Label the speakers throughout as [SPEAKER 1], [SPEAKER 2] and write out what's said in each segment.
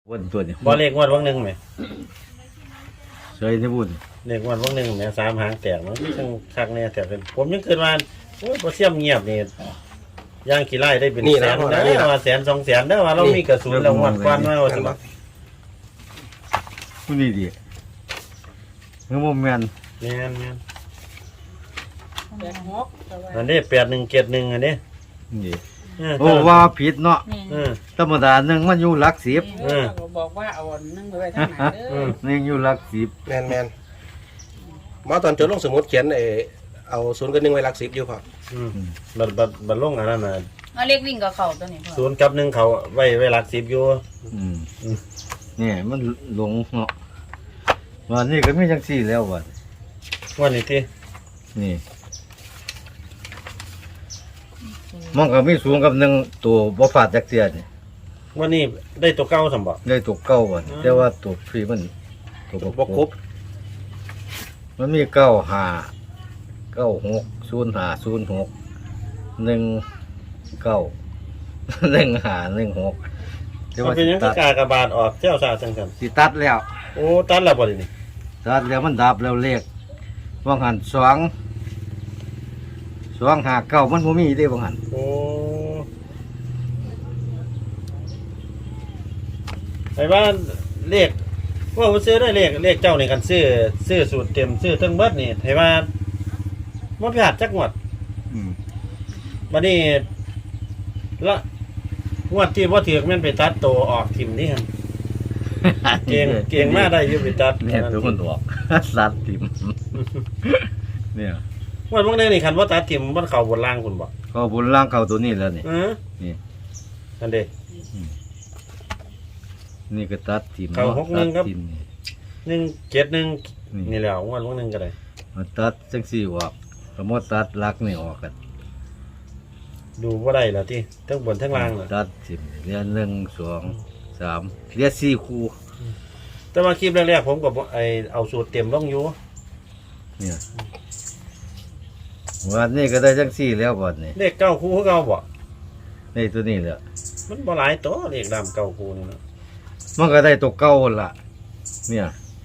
[SPEAKER 1] วันตัวนี้
[SPEAKER 2] บ่เลขงวดวันหนึ่งไหม
[SPEAKER 1] ใช่ที่บุญ
[SPEAKER 2] เลขงวดวันหนึ่งแหมสามหางแตกมันจังคักแน่แต่เป็นผมยังเกิดมาโอ้ยบ่เสียมเงียบนี่ย่างกี่ไร่ได้เป็นแสนนะว่าแสนสองแสนได้ว่าเรามีกระสุนแล้วงวดกวนมาว่าสิบ่
[SPEAKER 1] ผู้นี้ดีเงื้อโมแมน
[SPEAKER 2] แม่น
[SPEAKER 3] 86
[SPEAKER 2] อันนี้8171อันนี้
[SPEAKER 1] นี่โอ้ว่าผิดเนาะ
[SPEAKER 2] เออ
[SPEAKER 1] ธรรมดาหนึ่งมันอยู่หลักสิบ
[SPEAKER 3] บอกว่าเอานึ่งไปไว้ทางไหนเด้อ
[SPEAKER 1] หนึ่งอยู่หลักสิบ
[SPEAKER 4] แมนหมอตอนจดลงสมุดเขียนเอาศูนย์กับหนึ่งไว้หลักสิบอยู่พอ
[SPEAKER 2] บัดลงอันนั้นน่ะ
[SPEAKER 3] เอาเลขวิ่งกับเขาตัวนี้พ่อ
[SPEAKER 2] 0กับ1เขาไว้หลัก10อยู่
[SPEAKER 1] นี่มันหลงเนาะวันนี้ก็ไม่จังสี่แล้ววัน
[SPEAKER 2] วันนี้ที่
[SPEAKER 1] นี่มันก็มีสูงกับหนึ่งตัวบ่ฟาดจักเสียนี่
[SPEAKER 2] วันนี้ได้ตัวเก่าซั่นบ่
[SPEAKER 1] ได้ตัวเก้าวันแต่ว่าตัวฟรีมันตัว
[SPEAKER 4] บ
[SPEAKER 1] บ่
[SPEAKER 4] ก
[SPEAKER 1] ค
[SPEAKER 4] ค
[SPEAKER 1] ร
[SPEAKER 4] ร
[SPEAKER 1] บบ มันมีเก้าห้าเก้าหก05 06 19 15 16แต่
[SPEAKER 2] มัน
[SPEAKER 1] ว่า
[SPEAKER 2] เป็นหยังคือกากบาทออกเจ้าซาจังซั่น
[SPEAKER 1] สิตัดแล้ว
[SPEAKER 2] โอ้ตัดแล้วบ่นี่
[SPEAKER 1] ตัดแล้วมันดับแล้วเลขว่างหันสองหาเก้ามันบ่มีเด้ว่างหัน
[SPEAKER 2] โอ้ไอ้ว่าเลขว่าผมซื้อได้เลขเจ้านี่กันซื้อสูตรเต็มซื้อทั้งเบิดนี่ไอ้ว่าบ่พลาดจักงวดบัดนี้ละงวดที่บ่ถูกแม่นไปตัดโตออกทิ่มนี่หั่นเก่งมากได้อยู่ไปตัด
[SPEAKER 1] เนี่ยตัวมันออก สัตว์ติมเนี่ย
[SPEAKER 2] งวดพวกนี้นี่คันบ่ตัดทิ่มมันเข้าบนล่างคุณบ่
[SPEAKER 1] ก็บนล่างเขาตัวนี้แล้วนี่ นี่
[SPEAKER 2] นั่นเด้
[SPEAKER 1] นี่ก็ตัดติม
[SPEAKER 2] เขาหกหนึ่งครับ
[SPEAKER 1] ตัดทิ่มนี่
[SPEAKER 2] 171นี่แหล้วงวดพวกนึงก็ได้
[SPEAKER 1] มันตัดจังสี่ออกสมมติตัดลักนี่ออกกัน
[SPEAKER 2] ดูบ่ได้แล้วที่ทั้งบนทั้งล่างน่ะ
[SPEAKER 1] ตัดทิมเรียน1 2 3เรียน4คู่
[SPEAKER 2] แต่ว่าคลิปแรกๆผมก็บ่เอาสูตรเต็มลงอยู่
[SPEAKER 1] เนี่ยวันนี้ก็ได้จังสี่แล้ววันนี้
[SPEAKER 2] เลขเก้าคู่คือเก่าบ่
[SPEAKER 1] ในตัวนี้แหละ
[SPEAKER 2] มันบ่หลายตัวเลขดำเก้าคู่นี่เนาะ
[SPEAKER 1] มันก็ได้ตัวเก่าหั่นล่ะ เนี่ย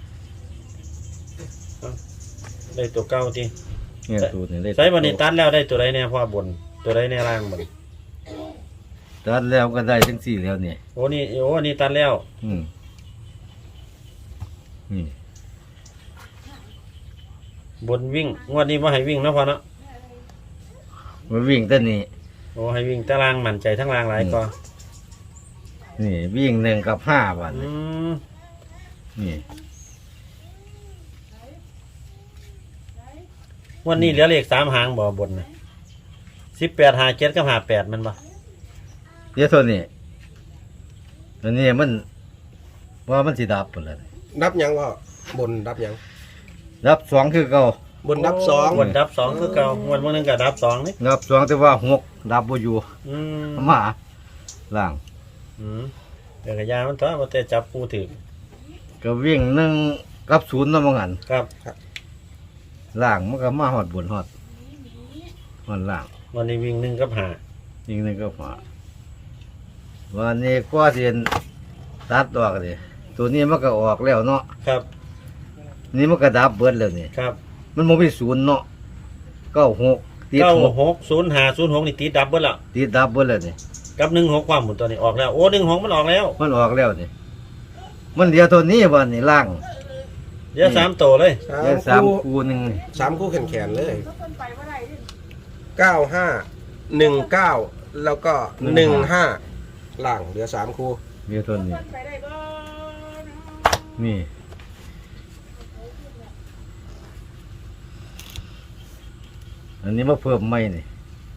[SPEAKER 2] ได้ตัวเก้าที่
[SPEAKER 1] เนี่ยตัวนี้ได้
[SPEAKER 2] ใช้บัดนี้ตัดแล้วได้ตัวใดแน่พ่อบนตัวใดแน่ล่างบัดนี้
[SPEAKER 1] ตัดแล้วก็ได้จังสี่แล้วเนี่ย
[SPEAKER 2] โอ้นี่ตัดแล้ว
[SPEAKER 1] นี่
[SPEAKER 2] บนวิ่งงวดนี้บ่ให้วิ่งเนาะพ่อเนาะ
[SPEAKER 1] มันวิ่งแต่นี่
[SPEAKER 2] โอ้ให้วิ่งแต่ล่างมั่นใจทั้งล่างหลายกว่า
[SPEAKER 1] นี่วิ่ง1 กับ 5วัน
[SPEAKER 2] อืม
[SPEAKER 1] นี่
[SPEAKER 2] วันนี้เหลือเลข3หางบ่บนน่ะ18 57กับ58มันบ่
[SPEAKER 1] เดี๋ยวตัวนี้ตัวนี้มันว่ามันสิดับหมดเลย
[SPEAKER 4] ดับยังพ่บนดับยัง
[SPEAKER 1] ดับ2คือเก่า
[SPEAKER 4] บนดับสอง
[SPEAKER 2] บนดับ2คือเก่างวดมื้อนึงก็ดับ2นี่
[SPEAKER 1] ดับ2แต่ว่า6ดับบ่อยู่
[SPEAKER 2] อืม
[SPEAKER 1] มาล่าง
[SPEAKER 2] เดี๋ยวกระยามันตัวบ่แต่จับผู้ถึก
[SPEAKER 1] ก็วิ่ง1 กับ 0นำบ่งั้น
[SPEAKER 2] ครับ
[SPEAKER 1] ล่างมันก็มาฮอดบนฮอดล่าง
[SPEAKER 2] วันนี้วิ่ง1กับ5
[SPEAKER 1] วิ่ง1กับ5วันนี้กว่าสิตัดออกดิตัวนี้มันก็ออกแล้วเนาะ
[SPEAKER 2] ครับ
[SPEAKER 1] นี่มันก็ดับเบิดแล้วนี่
[SPEAKER 2] ครับ
[SPEAKER 1] มันบ่มี0เนาะ96ติด6
[SPEAKER 2] 960506นี่ติดดับเบิดแล้ว
[SPEAKER 1] ติดดับเบิดแล้วนี่
[SPEAKER 2] กับ16ความหมุนตัวนี้ออกแล้วโอ้16มันออกแล้ว
[SPEAKER 1] มันออกแล้วนี่มันเดียวตัวนี้วันนี้ล่าง
[SPEAKER 2] เดี๋ยว3ตัวเลย
[SPEAKER 1] เดียวสามคูหนึ่ง
[SPEAKER 4] สามคู่แขนๆเลย
[SPEAKER 3] เพิ่นไปบ่ได้ดิ
[SPEAKER 4] 95 19แล้วก็15ล่างเหลือ3คู่
[SPEAKER 1] เดียวตัวนี้
[SPEAKER 3] ไปได้บ่
[SPEAKER 1] นี่อันนี้มาเพิ่มไม่นี่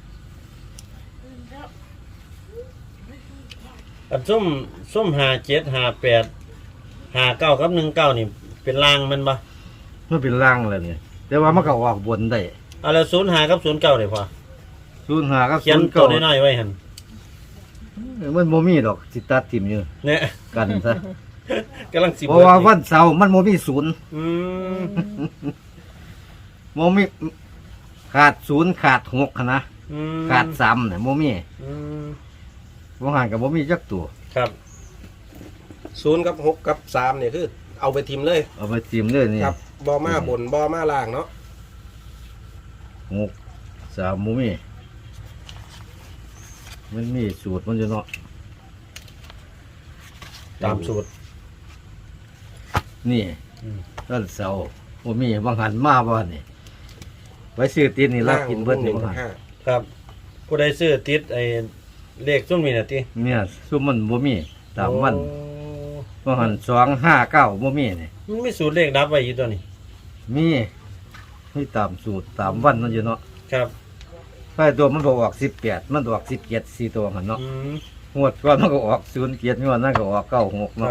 [SPEAKER 2] อันซุ่ม57 58 59กับ19นี่เป็นล่างมันบ่
[SPEAKER 1] มันเป็นล่างแล้วนี่แต่ว่ามันก็ออกบนได้
[SPEAKER 2] เอาแล้ว05กับ09ได้พอ
[SPEAKER 1] 05กับ
[SPEAKER 2] เขียนตัวน้อยๆไว้หั่น
[SPEAKER 1] มันบ่มีดอกสิตัดทิ่มอยู่
[SPEAKER 2] เนี่ย
[SPEAKER 1] กันซะ
[SPEAKER 2] กำลังสิ
[SPEAKER 1] เพราะว่าวันเสาร์มันบ่มีศูนย์
[SPEAKER 2] อืม
[SPEAKER 1] บ่มีขาด0ขาด6หั้นนะ
[SPEAKER 2] อืม
[SPEAKER 1] ขาด3น่ะบ่มี
[SPEAKER 2] อืม
[SPEAKER 1] บ่หันก็บ่มีจักตัว
[SPEAKER 2] ครับ
[SPEAKER 4] 0กับ6กับ3เนี่ยคือเอาไปทิมเลย
[SPEAKER 1] เอาไปจิ้มเลยนี่
[SPEAKER 4] ครับบ่มาบนบ่มาล่างเนาะ
[SPEAKER 1] 6 3บ่มีมันมีสูตรมันอยู่เนาะ
[SPEAKER 2] ตามสูตร
[SPEAKER 1] นี่
[SPEAKER 2] อืม
[SPEAKER 1] ต้นเสาบ่มีบางหันมาบ่นี่ไว้ซื้อติดนี่รับกินเบิดนี่บ่หัน
[SPEAKER 4] 5
[SPEAKER 2] ครับ ผู้ใดซื้อติดไอ้เลขซุ่มนี่น่ะติ
[SPEAKER 1] เนี่ยซุมมันบ่มีตามวัน
[SPEAKER 2] โอ้
[SPEAKER 1] บางหัน259บ่มีนี่
[SPEAKER 2] มันมีสูตรเลขดับไว้อยู่ตัวนี้
[SPEAKER 1] มีตามสูตรตามวันมันอยู่เนาะ
[SPEAKER 2] ครับ
[SPEAKER 1] ไอ้ตัวมันบ่ออก18มันออก17 4ตัวหันเนาะ
[SPEAKER 2] อืม
[SPEAKER 1] งวดก่อนมันก็ออก07งวดนั้นก็ออก96
[SPEAKER 2] ค
[SPEAKER 1] เนาะ
[SPEAKER 2] รับ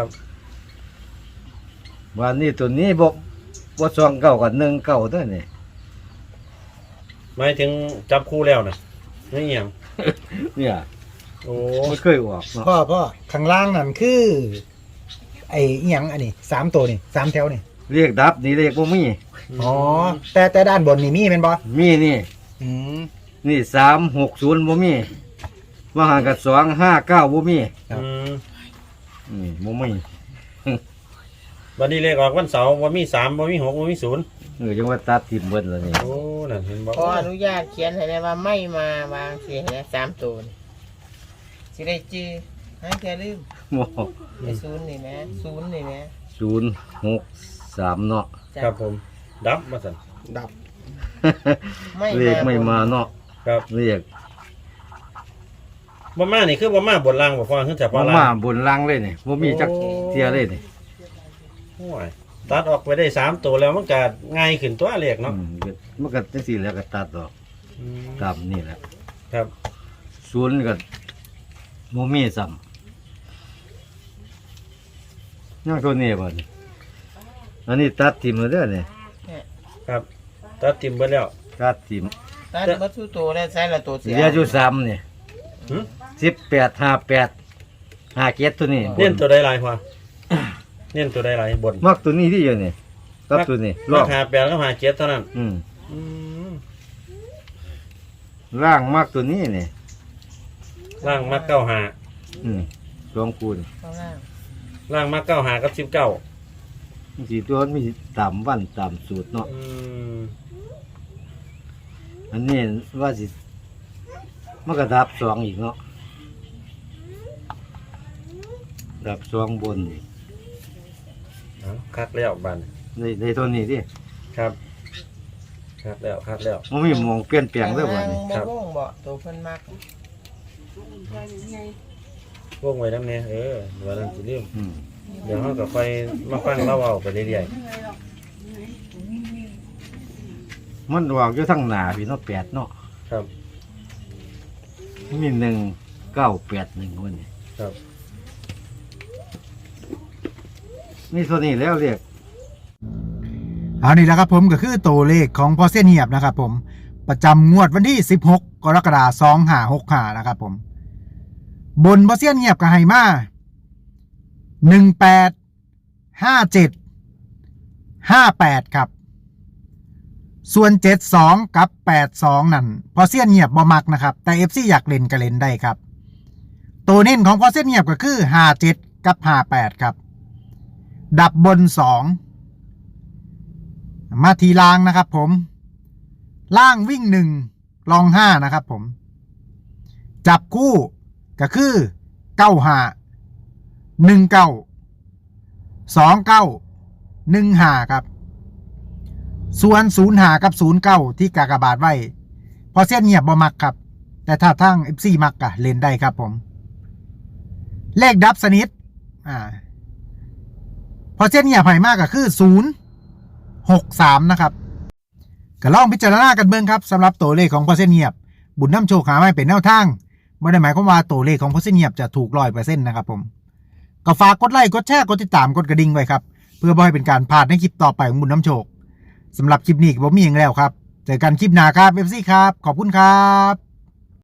[SPEAKER 1] วันนี้ตัวนี้บ่2 9กับ1 9ตัวนี่
[SPEAKER 2] หมายถึงจับคู่แล้วน่ะนี่หยัง
[SPEAKER 1] เนี่ย
[SPEAKER 2] โอ้
[SPEAKER 1] ไม่เคยออกเนาะ
[SPEAKER 5] พ่อข้างล่างนั่นคือไอ้อิหยังอันนี้3ตัวนี่3แถวนี่
[SPEAKER 1] เรียกดับนี่เรียกบ่มี
[SPEAKER 5] อ๋อแต่ด้านบนนี่มีแม่นบ่
[SPEAKER 1] มีนี่
[SPEAKER 5] อืม
[SPEAKER 1] นี่360บ่มีว่าหางกับ259บ่มี
[SPEAKER 2] อืม
[SPEAKER 1] นี่บ่มี
[SPEAKER 2] วันนี้เลขออกวันเสาร์บ่มี3บ่มี6บ่มี0
[SPEAKER 1] จังว่าตัดทิ่มเบิดแล้วนี่
[SPEAKER 2] โอ้นั่นเห็นบ่
[SPEAKER 3] ขออนุญาตเขียนให้ได้ว่าไม่มาวางสิให้ได้3ตัวนี่สิได้จื้อให้แกลืม
[SPEAKER 1] บ่
[SPEAKER 3] ไอ้0นี่แหม0นี่แหม
[SPEAKER 1] 063เนาะ
[SPEAKER 3] จ้ะ
[SPEAKER 2] ครับผม ดับมาสั่น
[SPEAKER 4] ดับ
[SPEAKER 1] เรียกไม่มาเนาะ
[SPEAKER 2] ครับ
[SPEAKER 1] เรียก
[SPEAKER 2] บ่มานี่คือบ่มาบนล่างบ่พอคือแต่พ
[SPEAKER 1] บ่
[SPEAKER 2] อล่าง
[SPEAKER 1] มาบนล่างเลยนี่บ่มีจักเที่ยเลยนี่
[SPEAKER 2] โอ้ยตัดออกไปได้3ตัวแล้วมันก็ง่ายขึ้นตัวเลขเนาะ
[SPEAKER 1] มันก็จังซี่แล้วก็ตัดออก
[SPEAKER 2] อืม
[SPEAKER 1] ตามนี่แหละ
[SPEAKER 2] ครับ
[SPEAKER 1] ศูนย์ก็บ่มีซ้ำยังตัวนี้บ่นี่อันนี้ตัดทิ่มแล้วเด้อนี่
[SPEAKER 2] ครับตัดทิมเบิดแล้ว
[SPEAKER 1] ตัดทิ่ม
[SPEAKER 3] ตัดเบิดทุกตัวแล้วใส่ละตัวเสีย
[SPEAKER 1] เหลืออยู่3นี่
[SPEAKER 2] หึ
[SPEAKER 1] 18 58 57ตัวนี้
[SPEAKER 2] เน้นตัวใดหลายพอเน้นตัวใดหลายบน
[SPEAKER 1] มักตัวนี้ที่อยู่นี่กับตัวนี้ล
[SPEAKER 2] รา
[SPEAKER 1] อง
[SPEAKER 2] คา8กับ57เท่านั้น
[SPEAKER 1] อืม
[SPEAKER 2] อืม
[SPEAKER 1] ล่างมักตัวนี้นี่
[SPEAKER 2] ล่างมัก95
[SPEAKER 1] อืมสองคูณ
[SPEAKER 3] ข้างล่าง
[SPEAKER 2] ล่างมัก95กับ19
[SPEAKER 1] มันสิตัวมันมีตามวันตามสูตรเนาะ
[SPEAKER 2] อืม
[SPEAKER 1] อันนี้ว่าสิมันก็ดับ2อีกเนาะดับ2บนนี่
[SPEAKER 2] เอาคัดแล้วบัด
[SPEAKER 1] ในตัวนี้ดิ
[SPEAKER 2] ครับคัดแล้ว
[SPEAKER 1] มันมีหมองเปลี่ยนแปลงเด้อบัดนี้
[SPEAKER 2] ครับ
[SPEAKER 3] บ่วงบ่ตัวเพิ่นมัก
[SPEAKER 2] พวกไว้นำแน่ว่านั้นสิลืม
[SPEAKER 1] อืม
[SPEAKER 2] เดี๋ยวเราก็ค่อยมาฟังเล่าเอาไปเรื่อย
[SPEAKER 1] มันออกอยู่ทั้งหน้าพี่เนาะ8เนาะ
[SPEAKER 2] ๆครับ
[SPEAKER 1] มี1981วันนี้
[SPEAKER 2] ครับ
[SPEAKER 1] นี่ตัวนี้แล้วเรียก
[SPEAKER 5] เอานี่แหละครับผมก็คือตัวเลขของพอเส้นเหียบนะครับผมประจำงวดวันที่16กรกฎาคม2565นะครับผมบนพอเส้นเหียบกับไฮมา185758ครับส่วน72กับ82นั่นพอเส้นเหียบบ่มักนะครับแต่ FC อยากเล่นก็เล่นได้ครับตัวเน้นของพอเส้นเหียบก็คือ57กับ58ครับดับบน2มาทีล่างนะครับผมล่างวิ่ง1รอง5นะครับผมจับคู่ก็คือ95 19 29 15ครับส่วน05กับ09ที่กากบาทไว้พอเส้นเงียบบ่มักครับแต่ถ้าทั้ง FC มักก็เล่นได้ครับผมเลขดับสนิทพอเส้นเงียบให้มากก็คือ063นะครับก็ลองพิจารณากันเบิ่งครับสำหรับตัวเลขของพอเส้นเงียบบุญน้ำโชคหาไม่เป็นแนวทางไม่ได้หมายความว่าตัวเลขของพอเส้นเงียบจะถูก100%นะครับผมก็ฝากกดไลค์กดแชร์กดติดตามกดกระดิ่งไว้ครับเพื่อบ่ให้เป็นการพลาดในคลิปต่อไปของบุญน้ำโชคสำหรับคลิปนี้ก็บ่มีอย่างแล้วครับเจอกันคลิปหน้าครับ FC ครับขอบคุณครับ